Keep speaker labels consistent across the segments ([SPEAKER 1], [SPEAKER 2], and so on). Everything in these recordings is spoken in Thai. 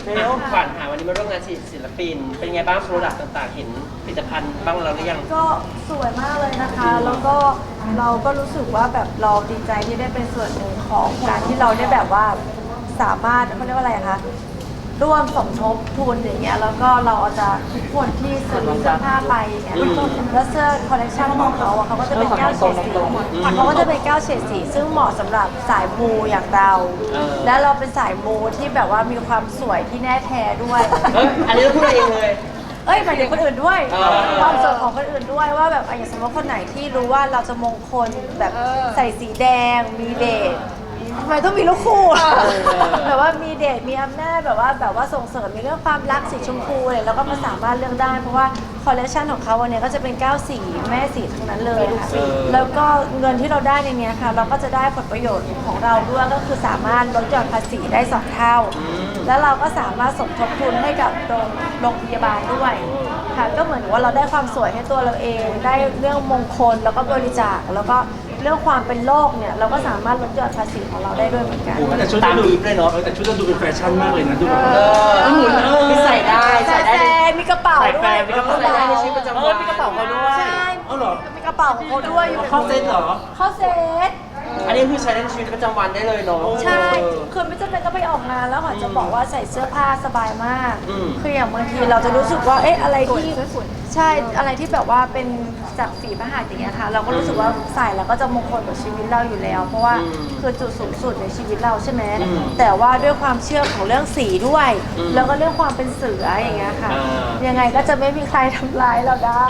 [SPEAKER 1] แล้วขวัญวันนี้มาร่วมงานศิลปินเป็นไงบ้างโปรดักต์ต่างๆเห็นผลิตภัณฑ์บ้างแล้วหรือยัง
[SPEAKER 2] ก็สวยมากเลยนะคะ แล้วก็เราก็รู้สึกว่าแบบเราดีใจที่ได้เป็นส่วนหนึ่งของการที่เราได้แบบว่าสามารถเขาเรียกว่าอะไรคะร่วมสมทบทุนอย่างเงี้ยแล้วก็เราอาจจะทุกคนที่ซื้อเสื้อผ้าไปอย่างเงี้ยแล้วเสื้อคอลเลคชันของเขาอะเขาก็จะเป็น9 เฉดสีเขาก็จะเป็น9 เฉดสีซึ่งเหมาะสำหรับสายมูอย่างเรา และเราเป็นสายมูที่แบบว่ามีความสวยที่แน่แท้ด้วย
[SPEAKER 1] อันนี้เราพูดเองเลย
[SPEAKER 2] หมายถึงคนอื่นด้วยความสวยของคนอื่นด้วยว่าแบบอย่างสมมติคนไหนที่รู้ว่าเราจะมงคลแบบใส่สีแดงมีเดชทำไมต้องมีลูกคู่แบบว่ามีเดชมีอำนาจแบบว่าส่งเสริมในเรื่องความรักสีชมพูอะไรแล้วก็มาสามารถเลือกได้เพราะว่าคอลเลคชันของเขาวันนี้ก็จะเป็น9 สีแม่สีทั้งนั้นเลยค่ะแล้วก็เงินที่เราได้ในนี้ค่ะเราก็จะได้ผลประโยชน์ของเราด้วยก็คือสามารถลดหย่อนภาษีได้2 เท่าแล้วเราก็สามารถสมทบทุนให้กับโรงพยาบาลด้วยค่ะก็เหมือนว่าเราได้ความสวยให้ตัวเราเองได้เรื่องมงคลแล้วก็บริจาคแล้วก็เรื่องความเป็นโรคเนี่ยเราก็สามารถลดหย่อนภาษีของเราได้ด้วยเหมือนกัน
[SPEAKER 3] แต่ชุดดูเลยเนาะแต่ชุดดูเป็นแฟชั่นมากเลยนะดูแบบ
[SPEAKER 1] มีใส่ได้
[SPEAKER 2] มีกระเป๋าด้วย
[SPEAKER 1] มีกระเป๋าได้ในชีวิตประจำวัน
[SPEAKER 3] มีกระเป๋าเขาด้วย
[SPEAKER 2] ใช่
[SPEAKER 3] เหรอ
[SPEAKER 2] มีกระเป๋าของเขาด้วยอยู่
[SPEAKER 3] เข้าเซ็ตเหรอ
[SPEAKER 2] เข้าเซ็ต
[SPEAKER 1] อันนี้คือใช้ในชีวิตประจำวันได้เลยเนาะ
[SPEAKER 2] ใช่คือไม่จำเป็นต้องไปออกงานแล้วค่ะจะบอกว่าใส่เสื้อผ้าสบายมากคืออย่างบางทีเราจะรู้สึกว่าอะไรที่ใช่อะไรที่แบบว่าเป็นจากฝีพระหัตถ์อย่างเงี้ยค่ะเราก็รู้สึกว่าใส่แล้วก็จะมงคลกับชีวิตเราอยู่แล้ว เพราะว่าคือจุดสูงสุดในชีวิตเราใช่ไหมแต่ว่าด้วยความเชื่อของเรื่องสีด้วยแล้วก็เรื่องความเป็นเสืออย่างเงี้ยค่ะยังไงก็จะไม่มีใครทำร้ายเราได้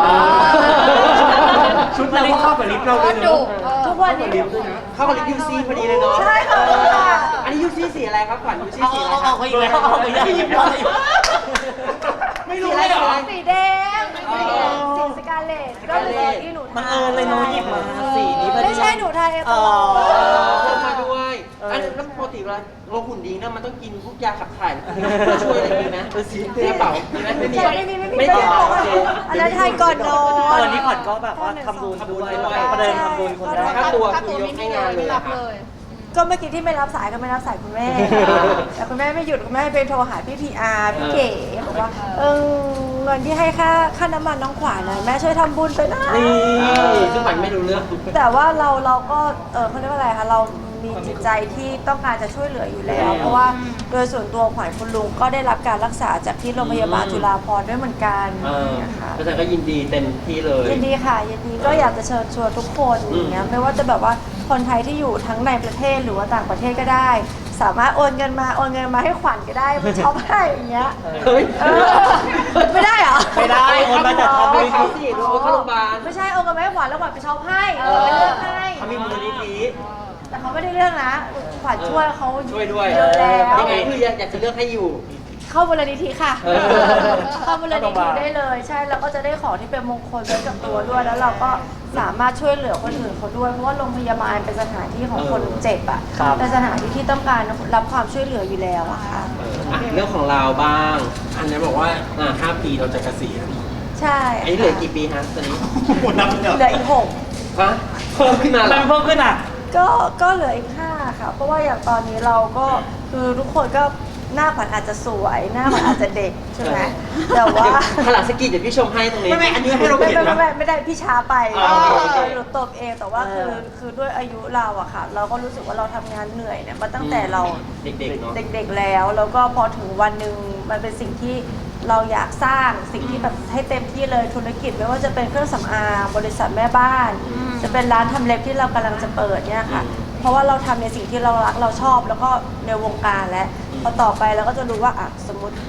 [SPEAKER 3] ชุดเราเข้ากับลิฟต์เราเลยเนาะ
[SPEAKER 2] ทุกวันนี้
[SPEAKER 1] เข้ากับลิปยูซี่พอดีเลยเนาะ
[SPEAKER 2] ใช่ค่ะ
[SPEAKER 1] อันนี้ยูซี่สีอะไรครับขวัญยูซี่สีอะไร
[SPEAKER 3] เอาอีกแล้วเอาอีกแล้วไม่รู้เลยเหรอ
[SPEAKER 2] สีแดงสีสกาเลตก็เลยที่หนู
[SPEAKER 3] มันเลยหนูหยิบมาสีนี้
[SPEAKER 2] ไม่ใช่หนูไทยตลอด
[SPEAKER 1] มาด้วยอันนี้ปกติเวลาเราหุ่นดีนะมันต้องกินพวกยาขับถ่ายช่วยอะไรมีไหมกระเป๋ามีไหมไม่มีไม่
[SPEAKER 2] มีอันนั้นไทยก่อนนอน
[SPEAKER 3] วันนี้ขวัญก็แบบว่าทำบุญด้วยประเดิมทำบุญคนแรก
[SPEAKER 1] ค่าตัวคือยกให้งานเลย
[SPEAKER 2] ก็เมื่อกี้ที่ไม่รับสายก็ไม่รับสายคุณแม่แต่คุณแม่ไม่หยุดคุณแม่ไปโทรหาพี่PRพี่เก๋บอกว่าเงินที่ให้ค่าน้ำมันน้องขวัญนะแม่ช่วยทำบุญไปนะ
[SPEAKER 1] ซึ่งขวัญไม่รู้เรื่อง
[SPEAKER 2] แต่ว่าเราก็เขาเรียกว่าอะไรคะเรามีจิตใจที่ต้องการจะช่วยเหลืออยู่แล้วเพราะว่าโดยส่วนตัวขวัญคุณลุงก็ได้รับการรักษาจากที่โรงพยาบาลจุฬาภรณ์ด้วยเหมือนกัน
[SPEAKER 1] นะคะอาจารย์ก็ยินดีเต็มที่เลย
[SPEAKER 2] ยินดีค่ะยินดีก็อยากจะเชิญชวนทุกคนอย่างเงี้ยไม่ว่าจะแบบว่าคนไทยที่อยู่ทั้งในประเทศหรือว่าต่างประเทศก็ได้ สามารถโอนเงินมาให้ขวัญก็ได้มาช็อปให้อย่างเงี้ยไม่ได้เหรอ
[SPEAKER 3] ไม่ได้โอนมาจากทำ
[SPEAKER 1] ไม่เขาสิโอนเข้าโรงพยาบาล
[SPEAKER 2] ไม่ใช่โอนเงินมาให้ขวัญแล้วขวัญไปช็อปให้เลือกให้
[SPEAKER 1] เขามีมูลนิธิ
[SPEAKER 2] แต่เขาไม่ได้เลือกนะขวัญช่วยเขา
[SPEAKER 1] ช่วยด้วย
[SPEAKER 2] เยอะแล้ว
[SPEAKER 1] ยังไงคืออยากจะเลือกให้อยู่
[SPEAKER 2] เข้ามูลนิธิค่ะเข้ามูลนิธิได้เลยใช่แล้วก็จะได้ของที่เป็นมงคลไว้กับตัวด้วยแล้วเราก็สามารถช่วยเหลือคนอื่นเขาด้วยเพราะว่าโรงพยาบาลเป็นสถานที่ของคนเจ็บอ่ะเป็นสถานที่ที่ต้องการรับความช่วยเหลืออยู่แล้วอะค่ะ
[SPEAKER 1] เรื่องของเราบ้าง
[SPEAKER 3] อันนี้บอกว่า5 ปีเราจะเกษียณ
[SPEAKER 2] ใช่
[SPEAKER 1] อันนี้เหลือกี่ปีฮะตอนนี้
[SPEAKER 3] หมดนับ
[SPEAKER 2] เหลืออีก6
[SPEAKER 1] ฮะเพิ่มขึ้นมา
[SPEAKER 3] เพิ่มขึ้นอ่ะ
[SPEAKER 2] ก็เหลืออีก5ค่ะเพราะว่าอย่างตอนนี้เราก็คือทุกคนก็หน้าขวัญอาจจะสวยหน้าขวัญอาจจะเด็กใช่ไหมแต่ว่า
[SPEAKER 1] ขนาดสกีเดี๋ยวพี่ชมให้ตรงนี้
[SPEAKER 3] ไม่อันนี้ให้เราเห็นนะ
[SPEAKER 2] ไม่ได้พี่ช้าไปหนูตบเองแต่ว่าคือด้วยอายุเราอะค่ะเราก็รู้สึกว่าเราทำงานเหนื่อยเนี่ยมาตั้งแต่เรา
[SPEAKER 1] เด็กๆเนาะ
[SPEAKER 2] เด็กๆแล้วก็พอถึงวันหนึ่งมันเป็นสิ่งที่เราอยากสร้างสิ่งที่แบบให้เต็มที่เลยธุรกิจไม่ว่าจะเป็นเครื่องสำอางบริษัทแม่บ้านจะเป็นร้านทำเล็บที่เรากำลังจะเปิดเนี่ยค่ะเพราะว่าเราทำในสิ่งที่เรารักเราชอบแล้วก็ในวงการแล้วพอต่อไปเราก็จะรู้ว่าสมมติ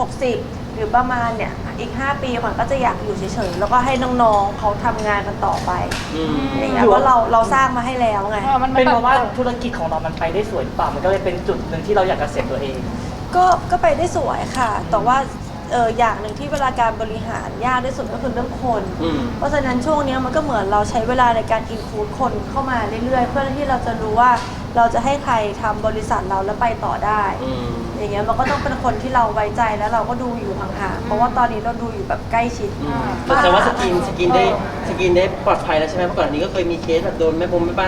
[SPEAKER 2] 60หรือประมาณเนี่ยอีก5 ปีขวัญก็จะอยากอยู่เฉยๆแล้วก็ให้น้องๆเขาทำงานกันต่อไปอย่างเงี้ยเพราะเราสร้างมาให้แล้วไง
[SPEAKER 3] เป็นเพราะว่าธุรกิจของเรามันไปได้สวยหรือเปล่ามันก็เลยเป็นจุดหนึ่งที่เราอยากเกษียณตัวเอง
[SPEAKER 2] ก็ไปได้สวยค่ะแต่ว่าอย่างหนึ่งที่เวลาการบริหารยากที่สุดก็คือเรื่องคนเพราะฉะนั้นช่วงนี้มันก็เหมือนเราใช้เวลาในการอินคูดคนเข้ามาเรื่อยๆเพื่อที่เราจะรู้ว่าเราจะให้ใครทำบริษัทเราแล้วไปต่อได้อย่างเงี้ยมันก็ต้องเป็นคนที่เราไว้ใจแล้วเราก็ดูอยู่ห่างๆเพราะว่าตอนนี้เราดูอยู่แบบใกล้ชิด
[SPEAKER 1] แต่ว่าสกินได้ปลอดภัยแล้วใช่ไหมเพราะก่อนนี้ก็เคยมีเคสแบบโดนแม่บ้าน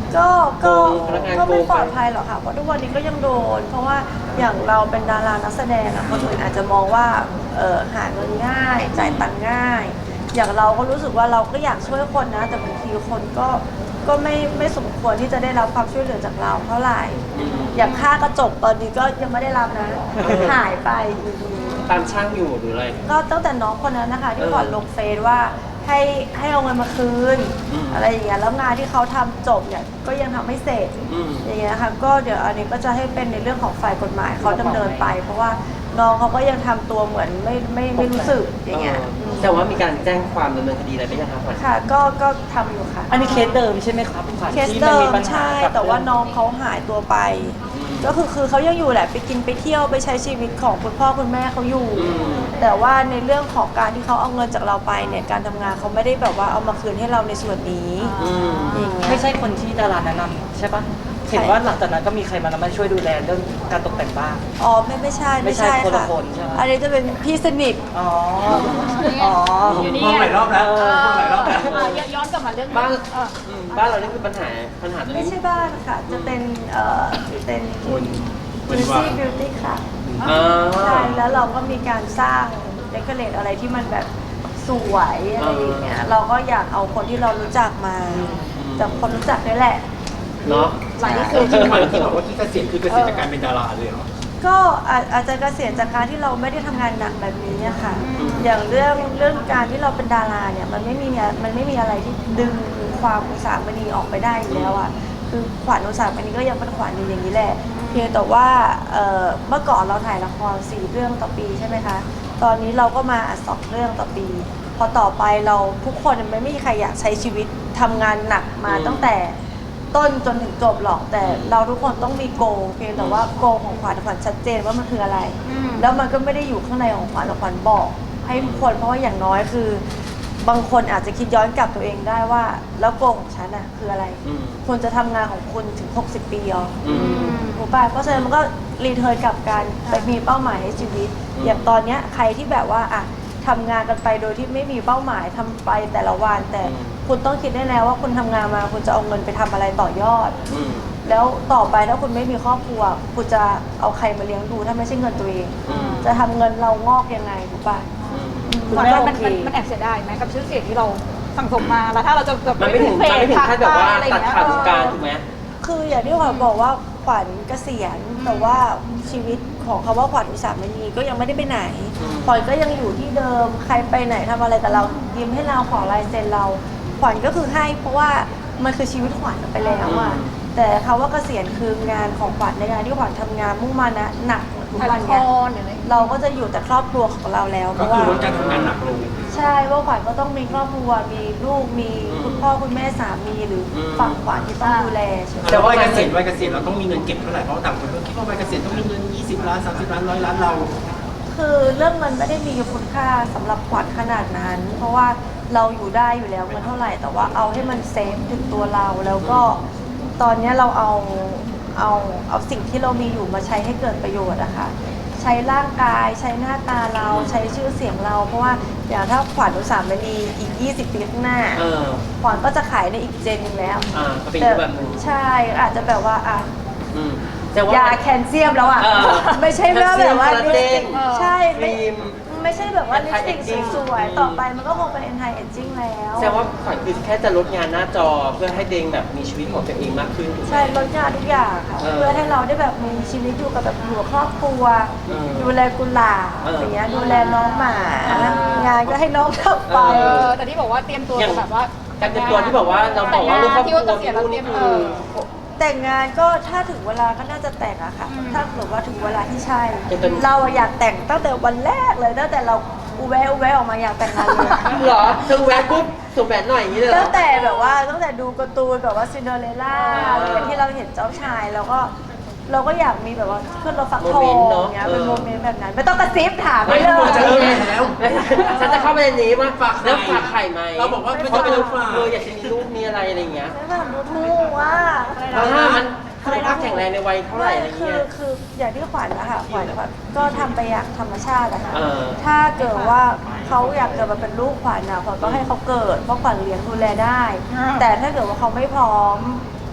[SPEAKER 2] ก็ก็
[SPEAKER 1] พนักงาน
[SPEAKER 2] ก็ไม่
[SPEAKER 1] โกง
[SPEAKER 2] ปลอดภัยหรอกค่ะเพราะทุกวันนี้ก็ยังโดน เพราะว่าอย่างเราเป็นดารานักแสดงอะคนอื่นอาจจะมองว่าหาเงินง่ายจ่ายตังค์ง่าย อย่างเราก็รู้สึกว่าเราก็อยากช่วยคนนะแต่บางทีคนก็ไม่สมควรที่จะได้รับความช่วยเหลือจากเราเท่าไหร่ อย่างค่ากระจกตอนนี้ก็ยังไม่ได้รับนะหายไปอยู่ดี
[SPEAKER 1] ตามช่างอยู่หรืออะไร
[SPEAKER 2] ก็ตั้งแต่น้องคนนั้นนะคะที่ขอลงเฟซว่าให้เอาเงินมาคืน อะไรอย่างเงี้ยแล้วงานที่เขาทำจบเนี่ยก็ยังทำไม่เสร็จอย่างเงี้ยค่ะก็เดี๋ยวอันนี้ก็จะให้เป็นในเรื่องของฝ่ายกฎหมายเขาดำเนินไป เพราะว่าน้องเขาก็ยังทำตัวเหมือนไม่รู้สึกอย่างเงี้ย
[SPEAKER 1] แต่ว่ามีการแจ้งความดำเนินคดีอะไรไหมยังครับขวัญ
[SPEAKER 2] ค่ะก็ทำอยู่ค่ะ
[SPEAKER 3] อันนี้เคสเดิมใช่ไหมครับขวัญ
[SPEAKER 2] เคส
[SPEAKER 3] ที่
[SPEAKER 2] เดิ
[SPEAKER 3] มันมี
[SPEAKER 2] ม
[SPEAKER 3] ปัญหา
[SPEAKER 2] ใช่
[SPEAKER 3] กับ
[SPEAKER 2] แต่ว่าน้องเขาหายตัวไป ก็คือเขายังอยู่แหละไปกินไปเที่ยวไปใช้ชีวิตของคุณพ่อคุณแม่เขาอยู่ แต่ว่าในเรื่องของการที่เขาเอาเงินจากเราไปเนี่ยการทำงานเขาไม่ได้แบบว่าเอามาคืนให้เราในส่วนนี้อย่างเงี้ย
[SPEAKER 3] ไม่ใช่คนที่ดาราแนะนำใช่ปะเห็นว่าหลังจากนั้นก็มีใครมาช่วยดูแลเรื่องการตกแต่งบ้าน
[SPEAKER 2] อ๋อไม่ใช่
[SPEAKER 3] ไม่ใช่คนละคนใช่ไหม
[SPEAKER 2] อันนี้จะเป็นพี่สนิท
[SPEAKER 3] อ๋ออ๋อ
[SPEAKER 4] อยู่นี่หลายรอบแล้วหลายรอบแล้ว
[SPEAKER 5] ย้อนกลับมาเรื่อง
[SPEAKER 1] บ้านบ้านเรานี่คือปัญหาตรง
[SPEAKER 2] ไม่
[SPEAKER 1] นี้
[SPEAKER 2] ใช่บ้านค่ะจะเป็นเป็น
[SPEAKER 4] เป็น
[SPEAKER 2] Juicy
[SPEAKER 4] ว่า
[SPEAKER 2] Beauty ค่ะ
[SPEAKER 1] อ่า
[SPEAKER 2] ใช่แล้วเราก็มีการสร้างเดคอเรทอะไรที่มันแบบสวยอะไรอย่างเงี้ยเราก็อยากเอาคนที่เรารู้จักมาจากคนรู้จักนี่แหละ
[SPEAKER 1] เนาะ
[SPEAKER 5] หลังนี้
[SPEAKER 4] คือที่ขวัญที่บอกว่าที่เกษียณคือเกษียณจากการเป็นดาราเลยเหรอ
[SPEAKER 2] ก็อาจจะเกษียณจากการที่เราไม่ได้ทำงานหนักแบบนี้อะค่ะ อย่างเรื่องการที่เราเป็นดาราเนี่ยมันไม่มีอะไรที่ดึงความอุตสาหมณีออกไปได้อยู่แล้วอะคือขวัญอุตสาหมณีก็ยังเป็นขวัญอยู่อย่างนี้แหละ เพียงแต่ว่าเมื่อก่อนเราถ่ายละคร4 เรื่องต่อปีใช่ไหมคะ ตอนนี้เราก็มา2 เรื่องต่อปี พอต่อไปเราทุกคนไม่มีใครอยากใช้ชีวิตทำงานหนักมาตั้งแต่ต้นจนถึงจบหรอกแต่เราทุกคนต้องมีโกลเพียงแต่ว่าโกลของขวัญชัดเจนว่ามันคืออะไร แล้วมันก็ไม่ได้อยู่ข้างในของขวัญขวัญบอก ให้ทุกคนเพราะว่าอย่างน้อยคือบางคนอาจจะคิดย้อนกลับตัวเองได้ว่า แล้วโกลของฉันน่ะคืออะไรคุณจะทำงานของคุณถึง60 ปีเหรอถูกป่ะเพราะฉะนั้นมันก็รีเทิร์นกลับการไปมีเป้าหมายให้ชีวิต อย่างตอนเนี้ยใครที่แบบว่าอ่ะทำงานกันไปโดยที่ไม่มีเป้าหมายทำไปแต่ละวันแต่คุณต้องคิดได้แล้วว่าคุณทำงานมาคุณจะเอาเงินไปทำอะไรต่อยอด แล้วต่อไปถ้าคุณไม่มีครอบครัวคุณจะเอาใครมาเลี้ยงดูถ้าไม่ใช่เงินตัวเอง จะทำเงินเรางอกยังไงถูกป่ะ
[SPEAKER 3] คุณ
[SPEAKER 5] มัน
[SPEAKER 3] แม่โอ
[SPEAKER 5] มัน
[SPEAKER 3] เค
[SPEAKER 5] มันแอบเสียดายไหมกับชื่อเสียงที่เราสั่งสมมาแล้วถ้าเราจะแบบ
[SPEAKER 1] มันไม่ถึงขั้นแบบว่าตัดขาดวงการถูกไหม
[SPEAKER 2] คืออย่างที่ขวัญบอกว่าขวัญเกษียณแต่ว่าชีวิตของคำว่าขวัญอุตสาหมณีก็ยังไม่ได้ไปไหนขวัญก็ยังอยู่ที่เดิมใครไปไหนทำอะไรกับเรายิ้มให้เราขอลายเซ็นเราขวัญก็คือให้เพราะว่ามันคือชีวิตขวัญไปแล้วอะแต่คำว่าเกษียณคืองานของขวัญในงานที่ขวัญทำงานมุ่งมั่นนะหนักทุก
[SPEAKER 5] ถ่าย
[SPEAKER 2] วั
[SPEAKER 5] ละ
[SPEAKER 2] น
[SPEAKER 5] ค
[SPEAKER 2] เนี้ย
[SPEAKER 5] รหรืออะไร
[SPEAKER 2] เราก็จะอยู่แต่ครอบครัวของเราแล้วเพ
[SPEAKER 4] ก็
[SPEAKER 2] ราะ
[SPEAKER 4] คื
[SPEAKER 2] ว่า
[SPEAKER 4] อลดการทำงานหนักลง
[SPEAKER 2] ใช่ว่าขวัญก็ต้องมีครอบครัวมีลูกมีคุณพ่อคุณแม่สามีหรือฝั่งขวัญที่ต้องดูแลใช่ไหม
[SPEAKER 4] แต่ว่าวัยเกษียณเราต้องมีเงินเก็บเท่าไหร่เพราะต่างคนก็คิดว่าวัยเกษียณต้องมีเงิน20 ล้าน30 ล้าน100 ล้านเรา
[SPEAKER 2] คือเรื่องเงินไม่ได้มีคุณค่าสำหรับขวัญขนาดนั้น เพราะว่าเราอยู่ได้อยู่แล้วเงินเท่าไหร่ แต่ว่าเอาให้มันเซฟถึงตัวเราแล้วก็ตอนนี้เราเอาสิ่งที่เรามีอยู่มาใช้ให้เกิดประโยชน์อะค่ะใช้ร่างกายใช้หน้าตาเราใช้ชื่อเสียงเรา เพราะว่าอย่างถ้าขวัญอุตสาหมณีอีก20 ปีข้างหน้าขวัญก็จะขายในอีกเจนหนึงแล้ว
[SPEAKER 1] ก็เป็นอีกแบบนึง
[SPEAKER 2] ใช่อาจจะแบบว่าอ่ะ
[SPEAKER 1] แต่ว่าย
[SPEAKER 2] าแคลเซียมแล้วอ่ะ ไม่ใช่ว่าแบบว่าลิปสติกใช่ไม่ใช่แบบว่าลิปสติกสวยๆต่อไปมันก็คงเป็น anti aging แล้ว
[SPEAKER 1] แต่ว่าขวัญคือแค่จะลดงานหน้าจอเพื่อให้เดงแบบมีชีวิตของตัวเองมากขึ้นถูกไหม
[SPEAKER 2] ใช่ลดงานทุกอย่างค่ะเพื่อให้เราได้แบบมีชีวิตอยู่กับแบบอยู่กับครอบครัวดูแลกุหลาบอย่างเงี้ยดูแลน้องหมางานก็ให้น้องทำไป
[SPEAKER 5] แต่ที่บอกว่าเตรียมตัว
[SPEAKER 1] อย่าง
[SPEAKER 5] แบบว่า
[SPEAKER 1] การเป็นตัวที่บอกว่าเราบอกว่าเรื่องครอบครัว
[SPEAKER 5] ที่ว่าเกษียณแล้วเตรียม
[SPEAKER 1] คือ
[SPEAKER 2] แต่งงานก็ถ้าถึงเวลาก็น่าจะแต่งอะค่ะ ถ้าเกิดว่าถึงเวลาที่ใช่
[SPEAKER 1] จะเป็น
[SPEAKER 2] เราอยากแต่งตั้งแต่วันแรกเลยตั้งแต่เราอุแวะออกมาอยากแต่งงานเลย
[SPEAKER 1] เหรอถึงแหวนปุ๊บสวมแหวนหน่อยอย่างนี้เลยเหร
[SPEAKER 2] ตั้
[SPEAKER 1] อ
[SPEAKER 2] งแต่แบบว่าตั้งแต่ดูการ์ตูนแบบว่าซินเดอเรลล่าที่เราเห็นเจ้าชายแล้วก็เราก็อยากมีแบบว่าขึ้นรถฟักทองอย่างเงี้ยเป็นโมเมนต์แบบนั้น ไม่ต้องกระซิบถามไป
[SPEAKER 1] ไม่
[SPEAKER 2] เล
[SPEAKER 1] ควรจะ
[SPEAKER 2] ย
[SPEAKER 1] รู้แล้วฉันจะเข้าไปในนี้ว่าแล้วฝากไข่ไหม
[SPEAKER 4] เราบอกว่าไม่
[SPEAKER 1] เพ
[SPEAKER 4] ต้อง
[SPEAKER 1] ราะ
[SPEAKER 4] ไป
[SPEAKER 1] เรา
[SPEAKER 4] ฝาก
[SPEAKER 1] อยากจะมีลูกมีอะไรอย่างเงี้ย
[SPEAKER 2] ไม่แบบดูถูกว่า
[SPEAKER 1] มันสุขภาพแข็งแรงในวัยเท่าไหร่อะไร
[SPEAKER 2] คื
[SPEAKER 1] เงี้
[SPEAKER 2] อย คืออย่างที่ขวัญนะคะขวัญก็ทำไปอย่างธรรมชาติอะค่ะ
[SPEAKER 1] เออ
[SPEAKER 2] ถ้าเกิดว่าเขาอยากเกิดมาเป็นลูกขวัญนะขวัญก็ให้เขาเกิดเพราะขวัญเลี้ยงดูแลได้ แต่ถ้าเกิดว่าเขาไม่พร้อม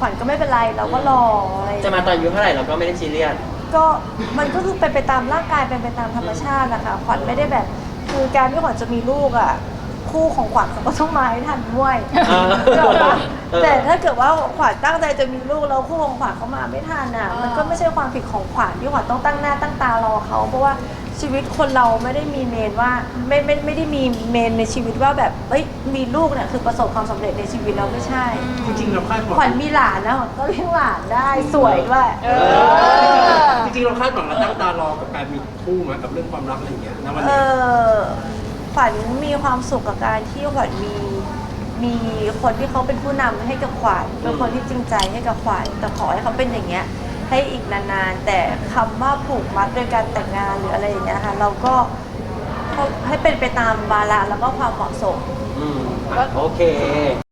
[SPEAKER 2] ขวัญก็ไม่เป็นไรเราก็รออะไรอย่าง
[SPEAKER 1] จะ
[SPEAKER 2] เงี้ย
[SPEAKER 1] มาตอนอายุเท่าไหร่เราก็ไม่ได้ซีเรียส
[SPEAKER 2] ก็มันก็คือเป็นไปตามร่างกายเป็นไปตามธรรมชาตินะคะขวัญไม่ได้แบบคือการที่ขวัญจะมีลูกอ่ะคู่ของขวัญเขาก็ต้องมาให้ทันด้วย
[SPEAKER 1] อ่า
[SPEAKER 2] เดี๋ยวนะ
[SPEAKER 1] เออ
[SPEAKER 2] แต่ถ้าเกิดว่าขวัญตั้งใจจะมีลูกแล้วคู่ของขวัญเขามาไม่ทันอ่ะมันก็ไม่ใช่ความผิดของขวัญที่ขวัญต้องตั้งหน้าตั้งตารอเขาเพราะว่าชีวิตคนเราไม่ได้มีเมนว่าไม่ได้มีเมนในชีวิตว่าแบบเอ้ยมีลูกเนี่ยคือประสบความสำเร็จในชีวิตเราไม่ใช่
[SPEAKER 4] จริงๆเราคาดหวัง
[SPEAKER 2] ขวัญมีหลานนะขวัญก็เลี้ยงหลานได้สวยด้วย
[SPEAKER 4] จริงๆเราคาดหวังเราตั้งตารอกับการมีคู่มากับเรื่องความรักอะไรอย่างเงี้ยนะวัน
[SPEAKER 2] เอ
[SPEAKER 4] นี้
[SPEAKER 2] อขวัญมีความสุขกับการที่ขวัญมีคนที่เขาเป็นผู้นำให้กับขวัญเป็นคนที่จริงใจให้กับขวัญแต่ขอให้เขาเป็นอย่างเงี้ยให้อีกนานๆแต่คำว่าผูกมัดโดยการแต่งงานหรืออะไรอย่างเงี้ยค่ะเราก็ให้เป็นไปตามวาระแล้วก็ความเหมาะสม
[SPEAKER 1] โอเค